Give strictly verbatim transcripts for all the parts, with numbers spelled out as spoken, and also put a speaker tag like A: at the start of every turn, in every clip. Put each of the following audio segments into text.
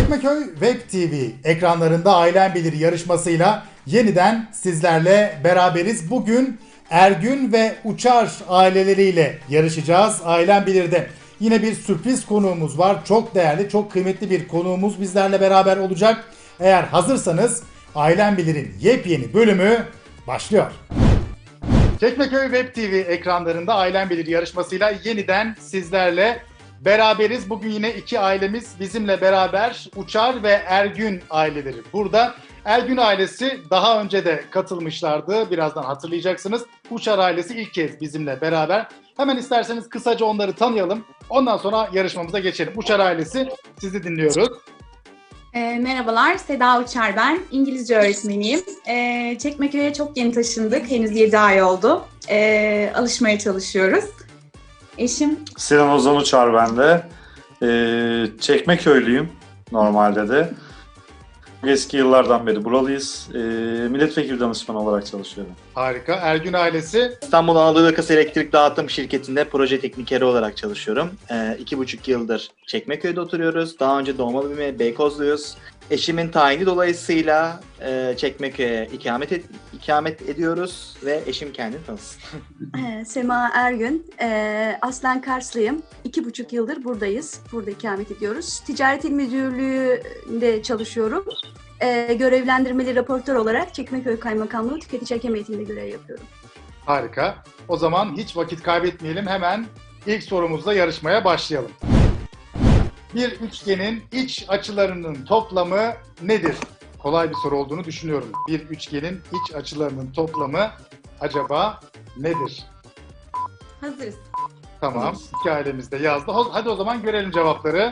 A: Çekmeköy Web T V ekranlarında Ailen Bilir yarışmasıyla yeniden sizlerle beraberiz. Bugün Ergün ve Uçar aileleriyle yarışacağız Ailen Bilir'de. Yine bir sürpriz konuğumuz var. Çok değerli, çok kıymetli bir konuğumuz bizlerle beraber olacak. Eğer hazırsanız Ailen Bilir'in yepyeni bölümü başlıyor. Çekmeköy Web T V ekranlarında Ailen Bilir yarışmasıyla yeniden sizlerle beraberiz. Bugün yine iki ailemiz bizimle beraber. Uçar ve Ergün aileleri burada. Ergün ailesi daha önce de katılmışlardı. Birazdan hatırlayacaksınız. Uçar ailesi ilk kez bizimle beraber. Hemen isterseniz kısaca onları tanıyalım. Ondan sonra yarışmamıza geçelim. Uçar ailesi, sizi dinliyoruz.
B: E, merhabalar, Seda Uçar ben. İngilizce öğretmeniyim. E, Çekmeköy'e çok yeni taşındık. Henüz yedi ay oldu. E, alışmaya çalışıyoruz. Eşim...
C: Sinan Ozan Uçar ben de. Ee, Çekmeköylüyüm normalde de. Eski yıllardan beri buralıyız. Ee, milletvekili danışmanı olarak çalışıyorum.
A: Harika. Ergün ailesi.
D: İstanbul Anadolu Yakası Elektrik Dağıtım Şirketi'nde proje teknikeri olarak çalışıyorum. Ee, iki buçuk yıldır Çekmeköy'de oturuyoruz. Daha önce doğma büyüme Beykozluyuz. Eşimin tayini dolayısıyla e, Çekmeköy'e ikamet, et, ikamet ediyoruz ve eşim kendini tanısın.
E: Sema Ergün, e, aslen Karslıyım. İki buçuk yıldır buradayız, burada ikamet ediyoruz. Ticaret İl Müdürlüğü'nde çalışıyorum. E, görevlendirmeli raportör olarak Çekmeköy Kaymakamlığı Tüketici Hakem Heyeti'nde görev yapıyorum.
A: Harika. O zaman hiç vakit kaybetmeyelim. Hemen ilk sorumuzla yarışmaya başlayalım. Bir üçgenin iç açılarının toplamı nedir? Kolay bir soru olduğunu düşünüyorum. Bir üçgenin iç açılarının toplamı acaba nedir?
B: Hazırız.
A: Tamam. İki ailemiz de yazdı. Hadi o zaman görelim cevapları.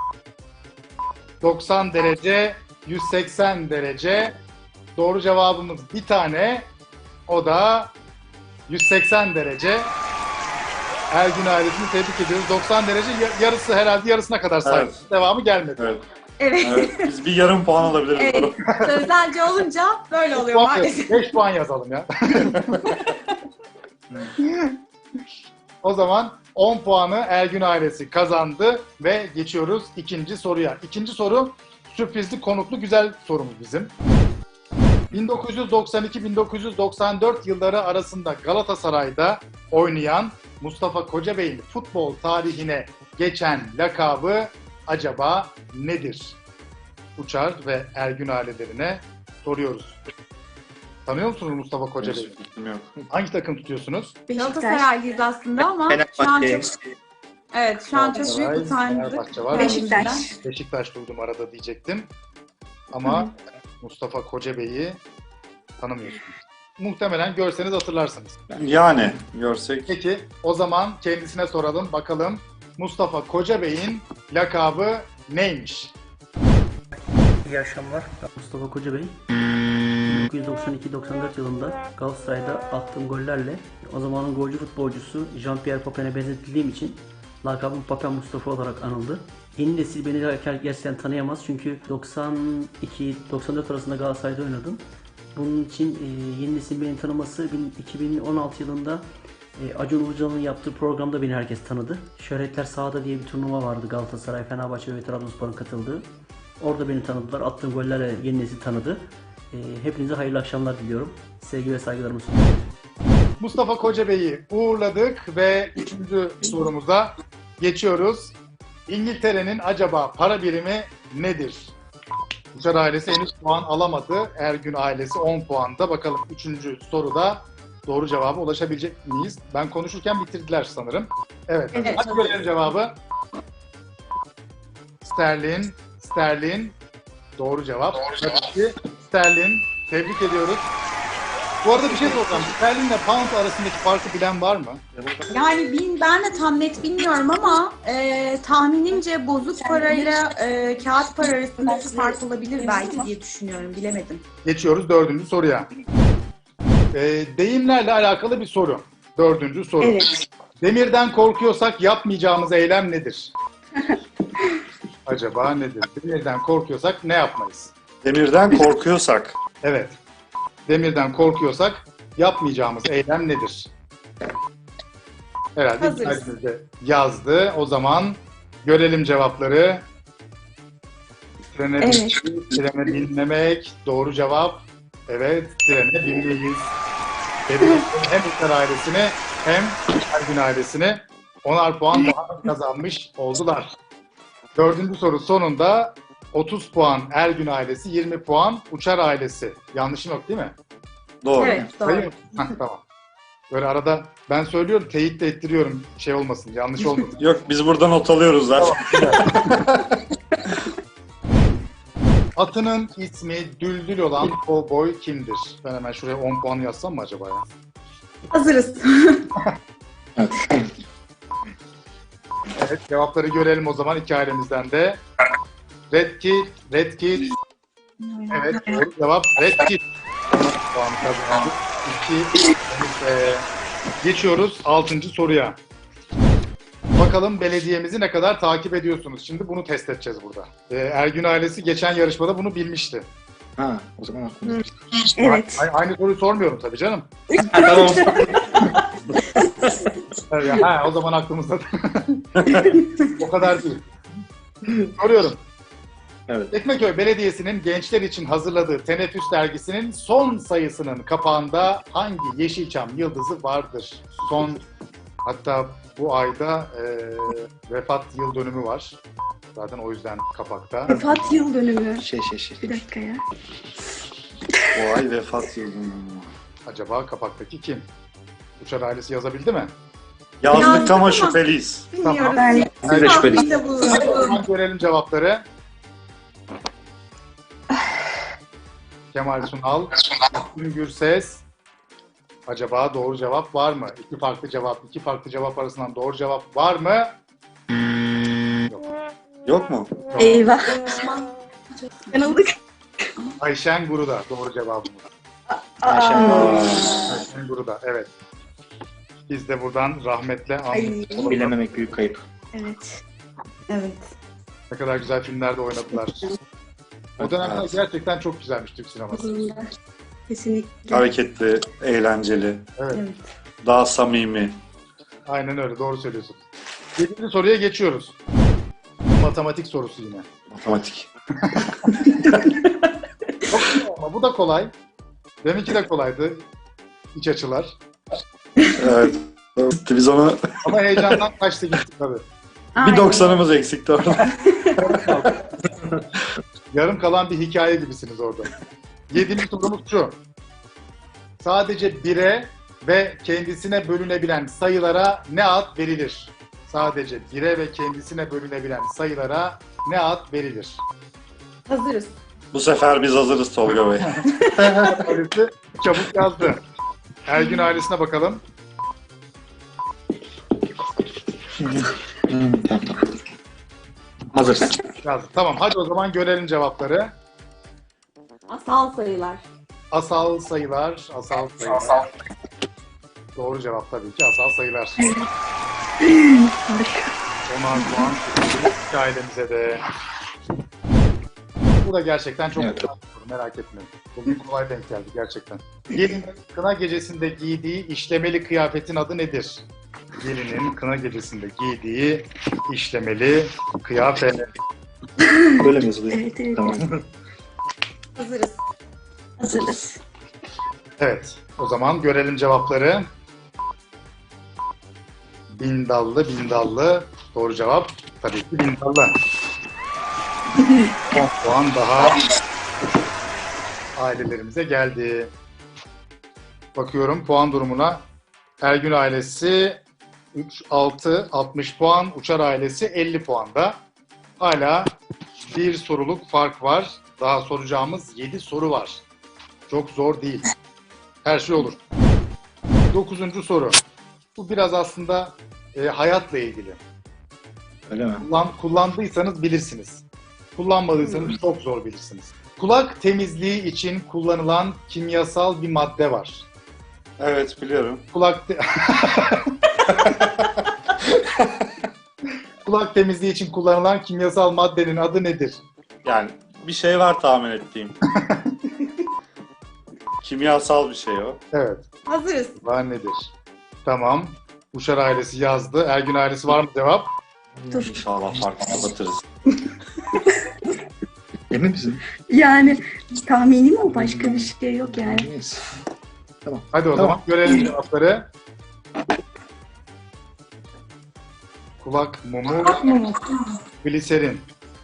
A: doksan derece, yüz seksen derece. Doğru cevabımız bir tane. O da yüz seksen derece. Ergün ailesini tebrik ediyoruz. doksan derece yarısı herhalde yarısına kadar saydı. Evet. Devamı gelmedi.
C: Evet.
B: Evet.
C: Evet, biz bir yarım puan alabiliriz.
B: Evet. Sözelci olunca böyle oluyor maalesef.
A: beş puan yazalım ya. O zaman on puanı Ergün ailesi kazandı ve geçiyoruz ikinci soruya. İkinci soru sürprizli, konuklu, güzel sorumuz bizim. bin dokuz yüz doksan iki bin dokuz yüz doksan dört yılları arasında Galatasaray'da oynayan Mustafa Kocabey'in futbol tarihine geçen lakabı acaba nedir? Uçar ve Ergün ailelerine soruyoruz. Tanıyor musunuz Mustafa Kocabey'i?
C: Bilmiyorum.
A: Hangi takım tutuyorsunuz?
B: Galatasaraylıyız aslında ama şu an çok... Evet, şu an çok büyük utandık.
A: Fenerbahçe var.
E: Beşiktaş.
A: Beşiktaş duydum arada diyecektim. Ama Hı. Mustafa Kocabey'i tanımıyorsunuz. Muhtemelen görseniz hatırlarsınız.
C: Yani görsek.
A: Peki o zaman kendisine soralım bakalım Mustafa Kocabey'in lakabı neymiş?
F: İyi akşamlar. Ben Mustafa Kocabey. bin dokuz yüz doksan iki doksan dört yılında Galatasaray'da attığım gollerle o zamanın golcü futbolcusu Jean-Pierre Papin'e benzetildiğim için lakabım Papin Mustafa olarak anıldı. Yeni nesil beni gerçekten tanıyamaz çünkü doksan iki doksan dört arasında Galatasaray'da oynadım. Bunun için e, yeni nesil beni tanıması iki bin on altı yılında e, Acun Ilıcalı'nın yaptığı programda beni herkes tanıdı. Şöhretler Sahada diye bir turnuva vardı, Galatasaray, Fenerbahçe ve Trabzonspor'un katıldığı. Orada beni tanıdılar, attığım gollerle yeni nesil tanıdı. E, hepinize hayırlı akşamlar diliyorum. Sevgi ve saygılarımı sunuyorum.
A: Mustafa Kocabey'i uğurladık ve üçüncü sorumuza geçiyoruz. İngiltere'nin acaba para birimi nedir? Uçar ailesi henüz puan alamadı. Ergün ailesi on puanda. Bakalım üçüncü soruda doğru cevaba ulaşabilecek miyiz? Ben konuşurken bitirdiler sanırım. Evet.
B: Evet.
A: Hadi görelim cevabı. Sterlin. Sterlin. Doğru cevap. Tabii ki Sterlin. Tebrik ediyoruz. Bu arada bir şey soracağım. Sterlin ile pound arasındaki farkı bilen var mı?
B: Yani bin, ben de tam net bilmiyorum ama e, tahminimce bozuk parayla e, kağıt para arasındaki fark olabilir belki diye düşünüyorum. Bilemedim.
A: Geçiyoruz dördüncü soruya. Ee, deyimlerle alakalı bir soru. Dördüncü soru.
E: Evet.
A: Demirden korkuyorsak yapmayacağımız eylem nedir? Acaba nedir? Demirden korkuyorsak ne yapmayız?
C: Demirden korkuyorsak.
A: Evet. Demirden korkuyorsak yapmayacağımız eylem nedir? Herhalde
B: Hazırız.
A: yazdı. O zaman görelim cevapları. Trene
E: Evet.
A: binmek, trene binmemek. Doğru cevap. Evet, trene binmeyiz. Tebrik ederim hem Uçar ailesine hem Ergün ailesine. Onar puan daha kazanmış oldular. Dördüncü soru sonunda otuz puan Ergün ailesi, yirmi puan Uçar ailesi. Yanlışım yok değil mi?
C: Doğru.
B: Evet,
A: Sayıyor
B: doğru.
A: musun? Hah, tamam. Böyle arada ben söylüyorum, teyit de ettiriyorum. Şey olmasın, yanlış olmasın.
C: Yok biz burada not alıyoruz zaten.
A: Atının ismi Düldül olan kovboy kimdir? Ben hemen şuraya on puan yazsam mı acaba ya?
B: Hazırız.
A: Evet, cevapları görelim o zaman iki ailemizden de. Red Kit, Red Kit. Evet, doğru cevap Red Kit. Puan kazandık. İki. Ee, geçiyoruz altıncı soruya. Bakalım belediyemizi ne kadar takip ediyorsunuz? Şimdi bunu test edeceğiz burada. Ee, Ergün ailesi geçen yarışmada bunu bilmişti.
D: Ha, o zaman aklımda.
E: Evet.
A: A- aynı soruyu sormuyorum tabii canım.
D: Tamam.
A: Evet, ha, o zaman aklımızda. O kadar değil. Soruyorum.
D: Evet.
A: Çekmeköy Belediyesi'nin gençler için hazırladığı Teneffüs dergisinin son sayısının kapağında hangi Yeşilçam yıldızı vardır? Son, hatta bu ayda e, vefat yıl dönümü var. Zaten o yüzden kapakta.
E: Vefat yıl dönümü.
D: Şey şey şey.
E: Bir dakika ya.
C: O ay vefat yılı.
A: Acaba kapaktaki kim? Uçar ailesi yazabildi mi?
C: Yazdık
B: Yazdık
C: ama
B: ama-
C: şüpheliyiz.
B: Bilmiyoruz.
E: Ben-
D: Siz de şüphelisiniz.
B: Tahminde bulunalım.
A: O zaman görelim cevapları. Kemal Sunal, Müslüm Gürses. Acaba doğru cevap var mı? İki farklı cevap, iki farklı cevap arasından doğru cevap var mı?
C: Yok mu?
E: Eyvah. Yanıldık.
A: Ayşen Guru'da doğru cevabımız.
D: Ayşen.
A: Ayşen Guru'da, evet. Biz de buradan rahmetle andık.
E: Ay.
D: Bilememek büyük kayıp.
E: Evet.
B: Evet.
A: Ne kadar güzel filmlerde oynadılar. O dönemler
C: Evet.
A: gerçekten çok güzelmiş Türk sineması.
E: Kesinlikle.
C: Hareketli, eğlenceli,
A: Evet,
E: Evet.
C: daha samimi.
A: aynen öyle, doğru söylüyorsun. Yedinci soruya geçiyoruz. Matematik sorusu yine.
C: Matematik.
A: Çok kolay ama bu da kolay. Deminki de kolaydı. İç açılar.
C: Evet. Biz onu
A: Ama heyecandan kaçtı gitti tabii.
C: bir doksanımız eksikti orada.
A: Yarım kalan bir hikaye gibisiniz orada. Yedinci sorumuz şu. Sadece bire ve kendisine bölünebilen sayılara ne ad verilir? Sadece bire ve kendisine bölünebilen sayılara ne ad verilir?
B: Hazırız.
C: Bu sefer biz hazırız Tolga Bey.
A: Ailesi çabuk yazdı. Ergün ailesine bakalım.
D: Hazırsın.
A: Yazdı. Tamam, hadi o zaman görelim cevapları.
B: Asal sayılar.
A: Asal sayılar, asal sayılar. Doğru cevap tabii ki asal sayılar. Onar puan iki ailemize de. Bu da gerçekten çok
D: Evet.
A: güzel bir soru, merak etmeyin. Bugün kolay denk geldi gerçekten. Gelinin kına gecesinde giydiği işlemeli kıyafetin adı nedir? Gelinin kına gecesinde giydiği işlemeli kıyafet.
D: Böyle mi yazılıyor?
E: Evet, evet.
D: Tamam.
B: Hazırız.
E: Hazırız.
A: Evet, o zaman görelim cevapları. Bindallı, bindallı. Doğru cevap tabii ki bindallı. on puan daha ailelerimize geldi. Bakıyorum puan durumuna. Ergün ailesi üç, altı, altmış puan. Uçar ailesi elli puanda. Hala bir soruluk fark var. Daha soracağımız yedi soru var. Çok zor değil. Her şey olur. Dokuzuncu soru. Bu biraz aslında e, hayatla ilgili.
D: Öyle mi?
A: Kullan, kullandıysanız bilirsiniz. Kullanmadıysanız çok zor bilirsiniz. Kulak temizliği için kullanılan kimyasal bir madde var.
C: Evet biliyorum.
A: Kulak te- Kulak temizliği için kullanılan kimyasal maddenin adı nedir?
C: Yani bir şey var tahmin ettiğim. Kimyasal bir şey o.
A: Evet.
B: Hazırız.
A: Var nedir? Tamam. Uşar ailesi yazdı. Ergün ailesi var mı cevap?
E: Dur.
C: İnşallah farkı kapatırız.
D: Emin misin?
E: Yani tahminim o, başka bir şey yok yani.
D: Neyse.
A: Hadi o
D: Tamam.
A: zaman görelim cevapları. Kulak mumu,
B: Kulak mumu.
A: gliserin.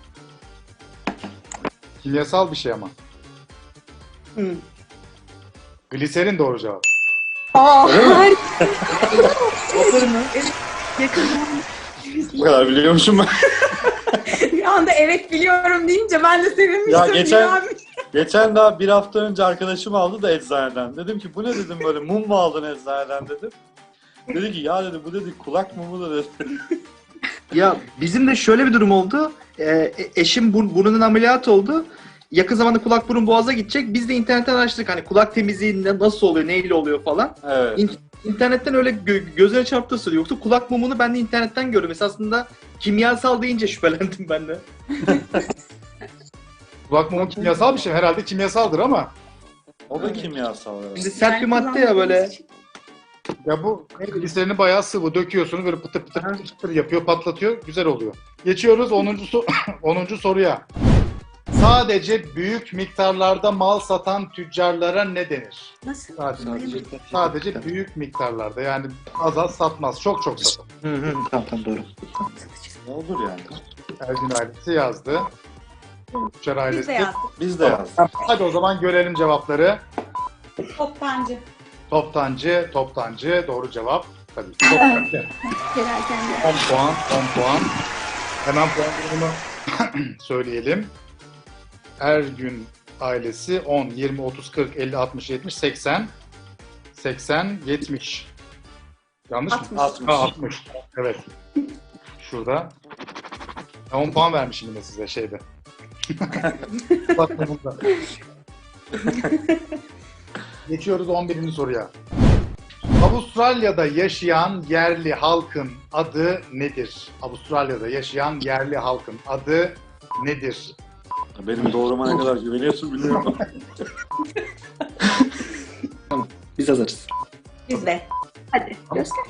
A: Kimyasal bir şey ama.
E: Hı.
A: Gliserin doğru cevap.
E: Aa, harika. Yakın
C: Bu kadar biliyormuşum ben.
B: Bir anda evet biliyorum deyince ben de sevinmiştim.
C: Ya geçen-
B: Ya.
C: Geçen daha bir hafta önce arkadaşım aldı da eczaneden. Dedim ki bu ne dedim böyle mum mu aldın eczaneden dedim. Dedi ki ya dedi bu dedi kulak mumu da dedi.
D: Ya bizim de şöyle bir durum oldu. Ee, eşim bur- burnunun ameliyatı oldu. Yakın zamanda kulak burun boğaza gidecek. Biz de internetten araştırdık. Hani kulak temizliği ne- nasıl oluyor, neyle oluyor falan.
C: Evet.
D: İn- İnternetten öyle gö- gözüne çarptığı söylüyor. Yoksa kulak mumunu ben de internetten gördüm. Esasında kimyasal deyince şüphelendim ben de.
A: Kulak mumu kimyasal bir şey. Herhalde kimyasaldır ama.
C: O da kimyasal. Evet.
D: Şimdi sert bir madde ya böyle.
A: Ya bu gliserini bayağı sıvı döküyorsunuz, böyle pıtır pıtır pıtır pıtır yapıyor, patlatıyor, güzel oluyor. Geçiyoruz onuncu so- onuncu soruya. Sadece büyük miktarlarda mal satan tüccarlara ne denir?
E: Nasıl?
A: Sadece, sadece büyük miktarlarda, yani az az satmaz, çok çok satar.
D: Hı hı, tamam tamam doğru.
C: Ne olur yani.
A: Ergün ailesi yazdı. Tüccar
B: Biz
A: ailesi.
B: de yazdık.
C: Biz de yazdık.
A: Hadi o zaman görelim cevapları.
B: Toptancı.
A: Toptancı, toptancı doğru cevap. Tabii ki toptancı.
E: Perakende.
A: on puan, on puan. Hemen puan durumunu söyleyelim. Ergün ailesi on, yirmi, otuz, kırk, elli, altmış, yetmiş, seksen. seksen, yetmiş. Yanlış mı?
B: altmış.
A: Ha, altmış. Evet. Şurada. on puan vermişim yine size şeyde. Bakın burada. Geçiyoruz on birinci soruya. Avustralya'da yaşayan yerli halkın adı nedir? Avustralya'da yaşayan yerli halkın adı nedir?
C: Benim doğruma ne kadar güveniyorsun bilmiyorum.
D: Biz hazırız.
B: Biz de.
E: Hadi göster.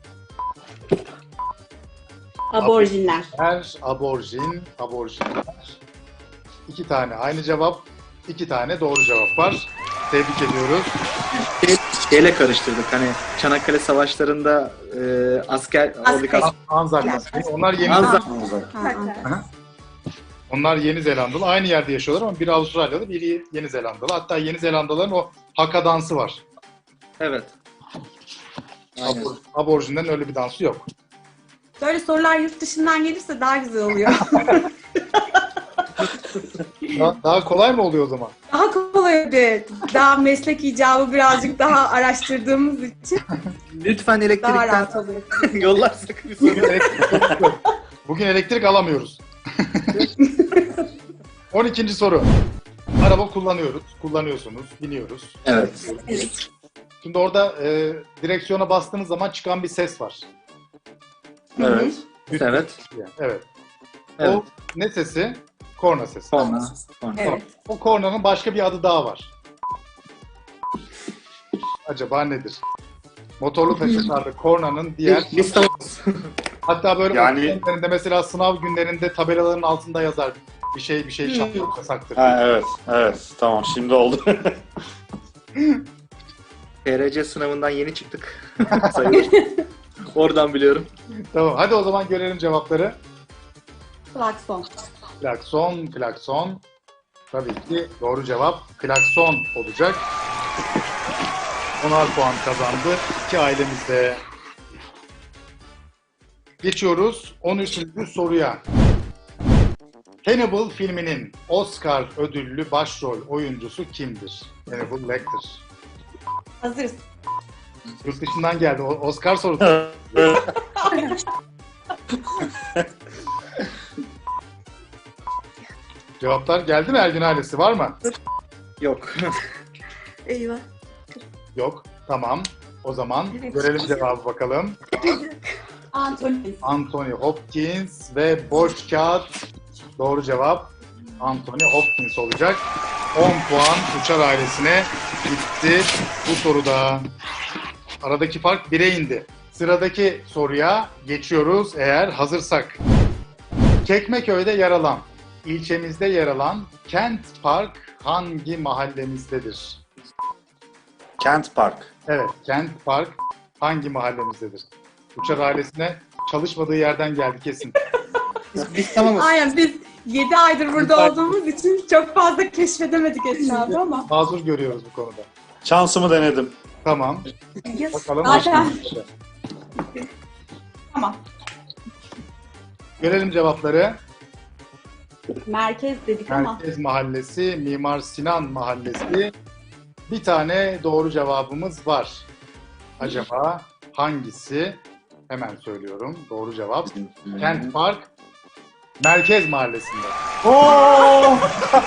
B: Aborjinler.
A: Her aborjin, aborjinler. İki tane aynı cevap, iki tane doğru cevap var. Tebrik ediyoruz.
D: Şey, şeyle karıştırdık hani Çanakkale Savaşları'nda e, asker oradaki
B: Aztek.
D: as-
A: Anzaklar. Onlar Yeni,
D: Anzak.
B: Ha, ha.
A: onlar Yeni Zelandalı. Aynı yerde yaşıyorlar ama biri Avustralyalı, biri Yeni Zelandalı. Hatta Yeni Zelandalıların o haka dansı var.
D: Evet. Aynen.
A: Abor, aborjinden öyle bir dansı yok.
B: Böyle sorular yurt dışından gelirse daha güzel oluyor.
A: Daha, daha kolay mı oluyor o zaman?
B: Daha kolay oluyor. Daha meslek icabı birazcık daha araştırdığımız için
D: Lütfen
B: daha
D: elektrikten
B: rahat oluyor.
D: yollarsak bir
A: Bugün
D: soru.
A: elektrik, yok. Bugün elektrik alamıyoruz. on ikinci soru. Araba kullanıyoruz, kullanıyorsunuz, biniyoruz.
D: Evet.
E: Evet.
A: Şimdi orada e, direksiyona bastığınız zaman çıkan bir ses var.
C: Evet.
A: Üst-
D: Evet.
A: yani, evet.
D: Evet.
A: O ne sesi? Korna sesi.
D: Sonra. Sonra.
B: Evet.
A: O kornanın başka bir adı daha var. Acaba nedir? Motorlu taşıtlarda kornanın diğer...
D: Biz, biz tamam.
A: Hatta böyle
C: Yani-
A: okul günlerinde, mesela sınav günlerinde tabelaların altında yazar. Bir şey bir şey çalmak yasaktır.
C: Ha, evet. Evet. Tamam şimdi oldu.
D: P R C sınavından yeni çıktık. Sayılır. Oradan biliyorum.
A: Tamam, hadi o zaman görelim cevapları.
B: Klakson.
A: Klakson, klakson. Tabii ki doğru cevap klakson olacak. onar puan kazandı iki ailemiz de. Geçiyoruz on üçüncü soruya. Hannibal filminin Oscar ödüllü başrol oyuncusu kimdir? Hannibal Lecter.
B: Hazırız.
A: Yurt dışından geldi. O- Oscar sorusu. Cevaplar geldi mi Ergün ailesi? Var mı?
D: Yok.
E: Eyvah.
A: Yok. Tamam. O zaman
E: Evet.
A: görelim cevabı bakalım.
B: Anthony.
A: Anthony Hopkins ve boş kağıt. Doğru cevap Anthony Hopkins olacak. on puan Uçar ailesine gitti bu soruda. Aradaki fark bire indi. Sıradaki soruya geçiyoruz eğer hazırsak. Çekmeköy'de yer alan ilçemizde yer alan Kent Park hangi mahallemizdedir?
C: Kent Park.
A: Evet, Kent Park hangi mahallemizdedir? Uçar ailesine çalışmadığı yerden geldi kesin.
D: Biz tamamız.
B: Aynen, biz yedi aydır burada olduğumuz için çok fazla keşfedemedik etrafı ama.
A: Mazur görüyoruz bu konuda.
C: Şansımı denedim.
A: Tamam.
E: Yes.
A: Bakalım.
B: Zaten. Tamam.
A: Görelim cevapları.
B: Merkez dedik ama.
A: Merkez Mahallesi, Mimar Sinan Mahallesi. Bir tane doğru cevabımız var. Acaba hangisi? Hemen söylüyorum. Doğru cevap. Kent Park Merkez Mahallesi'nde.
C: Oo!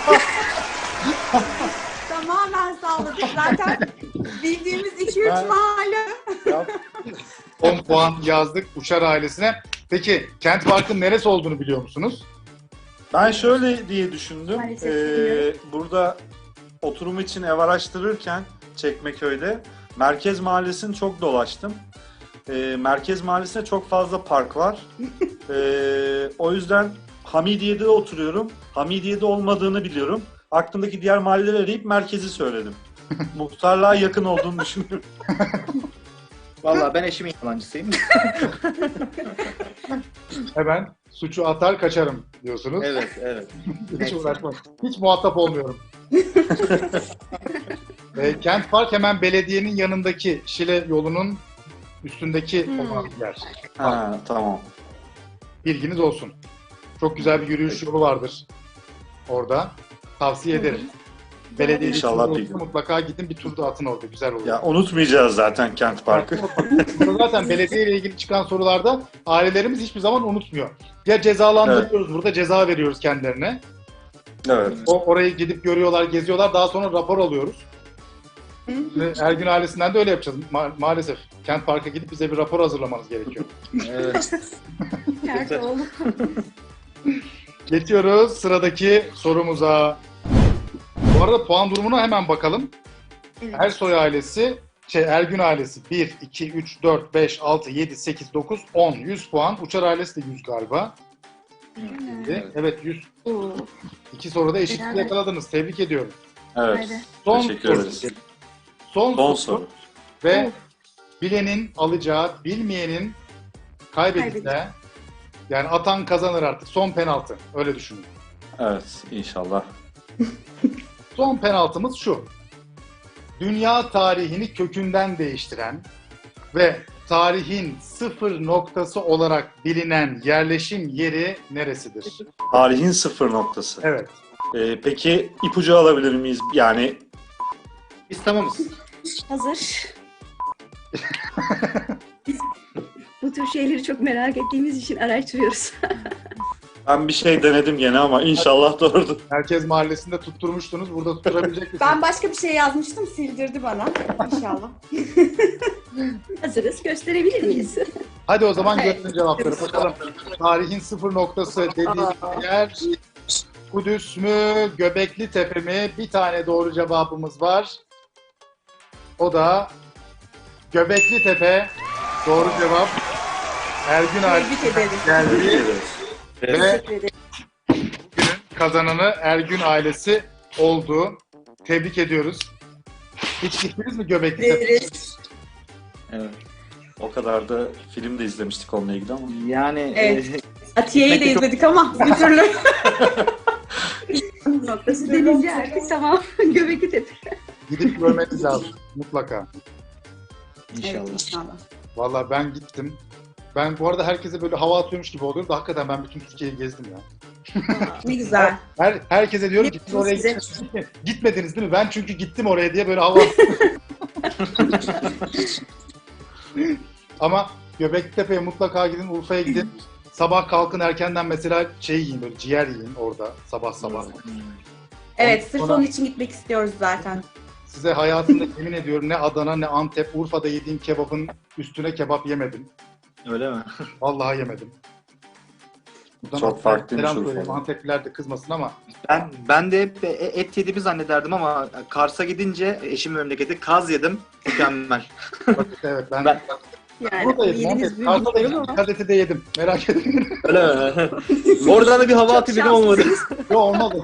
B: Tamamen sağladık. Zaten bildiğimiz iki üç
A: Ben-
B: mahalle.
A: on puan yazdık Uçar ailesine. Peki Kent Park'ın neresi olduğunu biliyor musunuz?
C: Ben şöyle diye düşündüm.
B: Maalesef
C: Ee,
B: bilmiyorum.
C: burada oturum için ev araştırırken Çekmeköy'de Merkez Mahallesi'ni çok dolaştım. Ee, Merkez Mahallesi'nde çok fazla park var. Ee, o yüzden Hamidiye'de oturuyorum. Hamidiye'de olmadığını biliyorum. Aklımdaki diğer mahalleleri arayıp merkezi söyledim. Muhtarlığa yakın olduğunu düşünüyorum.
D: Vallahi ben eşimin yalancısıyım.
A: Hemen suçu atar kaçarım diyorsunuz.
D: Evet, evet.
A: Hiç uğraşmam. Hiç muhatap olmuyorum. e, Kent Park hemen belediyenin yanındaki Şile yolunun üstündeki
E: Hmm.
A: olan yer.
C: Ha, tamam.
A: Bilginiz olsun. Çok güzel bir yürüyüş yolu vardır orada. Tavsiye ederim. Belediye
C: İnşallah
A: içinde
C: bir
A: olursa
C: gün.
A: mutlaka gidin bir tur da atın orada. Güzel olur.
C: Ya unutmayacağız zaten Kent Park'ı.
A: Burada zaten belediye ile ilgili çıkan sorularda ailelerimiz hiçbir zaman unutmuyor. Ya cezalandırıyoruz burada, ceza veriyoruz kendilerine.
C: Evet.
A: O orayı gidip görüyorlar, geziyorlar. Daha sonra rapor alıyoruz. Ve Ergün ailesinden de öyle yapacağız. Ma- maalesef Kent Park'a gidip bize bir rapor hazırlamanız gerekiyor.
D: Evet.
E: Nerede oğlum?
A: Geçiyoruz sıradaki sorumuza. Bu arada puan durumuna hemen bakalım.
E: Evet.
A: Ersoy ailesi, şey Ergün ailesi bir, iki, üç, dört, beş, altı, yedi, sekiz, dokuz, on. yüz puan. Uçar ailesi de yüz galiba.
D: Evet.
A: Evet yüz.
E: Oo.
A: İki soruda eşitlik
E: Beraber.
A: yakaladınız. Tebrik ediyorum.
C: Evet.
E: Haydi.
A: Son
C: Teşekkür
A: soru.
C: ederiz.
A: Son,
C: Son
A: soru.
C: soru.
A: Ve
E: Of.
A: bilenin alacağı, bilmeyenin kaybedeceği.
E: Kaybedeceği.
A: Yani atan kazanır artık. Son penaltı. Öyle düşünün.
C: Evet, inşallah.
A: Son penaltımız şu. Dünya tarihini kökünden değiştiren ve tarihin sıfır noktası olarak bilinen yerleşim yeri neresidir?
C: Tarihin sıfır noktası.
A: Evet.
C: Ee, peki ipucu alabilir miyiz? Yani
D: Biz tamamız.
E: Hazır. Bu tür şeyleri çok merak ettiğimiz için araştırıyoruz.
C: ben bir şey denedim gene ama inşallah doğrudur.
A: Merkez Mahallesi'nde tutturmuştunuz. Burada tutturabilecek misiniz?
B: Ben başka bir şey yazmıştım, sildirdi bana. İnşallah.
E: Hazırız. Gösterebilir miyiz?
A: Hadi o zaman
B: Evet.
A: görelim cevapları. Bakalım. Tarihin sıfır noktası dediği yer Kudüs mü, Göbekli Tepe mi? Bir tane doğru cevabımız var. O da Göbekli Tepe. Doğru cevap. Ergün abi
B: Tebrik ederiz.
C: Teşekkür
A: geldi.
C: ederiz.
A: Ve
E: Teşekkür ederim.
A: bugünün kazananı Ergün ailesi oldu. Tebrik ediyoruz. Hiç gittiniz mi Göbekli Tepe?
B: Ederiz.
C: Evet. O kadar da film de izlemiştik onunla ilgili ama.
D: Yani
B: Evet.
D: e,
B: Atiye'yi de
D: Gitmek de çok-
B: izledik ama bir türlü.
E: Noktası denince artık tamam. Göbekli Tepe.
A: Gidip görmeniz lazım mutlaka.
D: inşallah.
B: Evet, inşallah.
A: Vallahi ben gittim. Ben bu arada herkese böyle hava atıyormuş gibi oluyor da hakikaten ben bütün Türkiye'yi gezdim ya.
B: Ne güzel.
A: Her, herkese diyorum ki siz oraya
E: Size-
A: gitmediniz mi? Gitmediniz değil mi? Ben çünkü gittim oraya diye böyle hava Ama Göbeklitepe'ye mutlaka gidin, Urfa'ya gidin. Sabah kalkın erkenden mesela şey yiyin, böyle ciğer yiyin orada sabah sabah.
B: Evet, sırf
A: Sonra-
B: onun için gitmek istiyoruz zaten.
A: Size hayatımda yemin ediyorum ne Adana ne Antep, Urfa'da yediğim kebabın üstüne kebap yemedim.
D: Öyle mi?
A: Vallahi yemedim. Buradan
C: Çok
A: Antep-
C: farklıymış
A: selam
C: Urfa'da.
A: söyleyeyim. Antepliler de kızmasın ama
D: Ben ben de hep e- et yediğimi zannederdim ama Kars'a gidince eşimin memleketi kaz yedim. Mükemmel.
A: evet ben,
D: Ben-
E: Yani
A: Burada yedim.
E: yediğiniz
A: Evet.
E: bir
A: Karşıda da
E: bilmiyorum
A: yedim.
E: ama.
A: Kadeti de yedim. Merak etmeyin.
D: Öyle mi? Oradan da bir hava
E: Çok
D: atı bile olmadı.
A: Yok olmadı.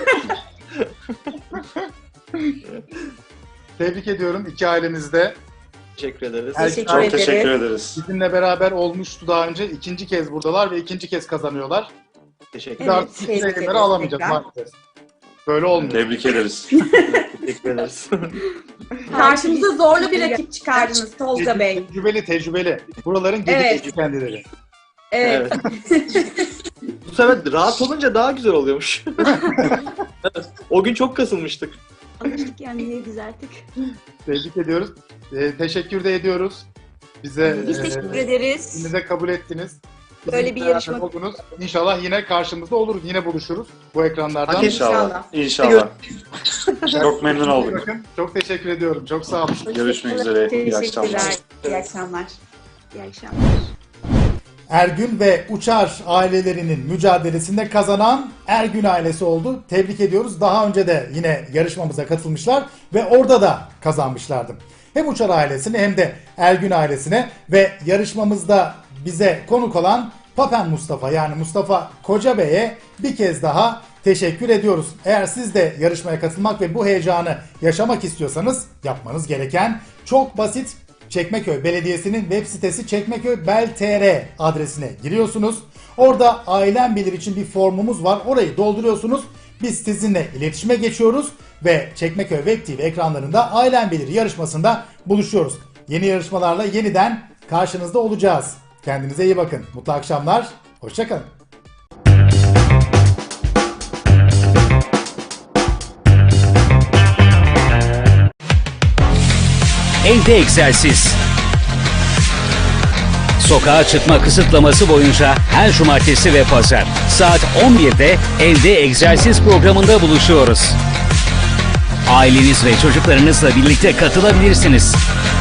A: Tebrik ediyorum iki ailemizde.
D: Teşekkür ederiz.
A: Her-
B: Teşekkür
C: Çok
B: ederim.
C: teşekkür ederiz.
A: Bizimle beraber olmuştu daha önce. İkinci kez buradalar ve ikinci kez kazanıyorlar.
D: Teşekkür
A: Biz
B: Evet,
A: artık
B: tebrik
A: ikinci
B: ederiz
A: yayınları alamayacağız
B: tekrar.
A: maalesef. Böyle olmuyor.
C: Tebrik ederiz.
D: Teşekkür ederiz.
B: Karşımıza zorlu bir rakip çıkardınız Tolga Bey.
A: Tecrübeli tecrübeli. Buraların geri
B: Evet.
A: evet. kendileri.
B: Evet.
D: Bu sefer rahat olunca daha güzel oluyormuş. Evet, o gün çok kasılmıştık.
E: Alıştık yani yeniliz artık.
A: Tebrik ediyoruz. Ee, teşekkür de ediyoruz. Bize
E: Biz
A: e,
E: teşekkür ederiz.
A: bize kabul ettiniz. Bizim
E: Böyle bir
A: beraber
E: yarışma-
A: oldunuz. İnşallah yine karşımızda oluruz. Yine buluşuruz bu ekranlardan.
D: Hadi
C: İnşallah. İnşallah. Çok memnun olduk.
A: Bakın, çok teşekkür ediyorum. Çok sağ olun.
C: Görüşmek üzere. İyi akşamlar.
B: Teşekkürler. İyi akşamlar.
E: İyi akşamlar.
A: Ergün ve Uçar ailelerinin mücadelesinde kazanan Ergün ailesi oldu. Tebrik ediyoruz. Daha önce de yine yarışmamıza katılmışlar ve orada da kazanmışlardı. Hem Uçar ailesine hem de Ergün ailesine ve yarışmamızda bize konuk olan Papen Mustafa yani Mustafa Koca Bey'e bir kez daha teşekkür ediyoruz. Eğer siz de yarışmaya katılmak ve bu heyecanı yaşamak istiyorsanız yapmanız gereken çok basit. Çekmeköy Belediyesi'nin web sitesi çekmeköybel nokta tr adresine giriyorsunuz. Orada Ailem Bilir için bir formumuz var. Orayı dolduruyorsunuz. Biz sizinle iletişime geçiyoruz ve Çekmeköy Web T V ekranlarında Ailem Bilir yarışmasında buluşuyoruz. Yeni yarışmalarla yeniden karşınızda olacağız. Kendinize iyi bakın. Mutlu akşamlar. Hoşça kalın.
G: Evde egzersiz. Sokağa çıkma kısıtlaması boyunca her cumartesi ve pazar saat on birde Evde Egzersiz programında buluşuyoruz. Aileniz ve çocuklarınızla birlikte katılabilirsiniz.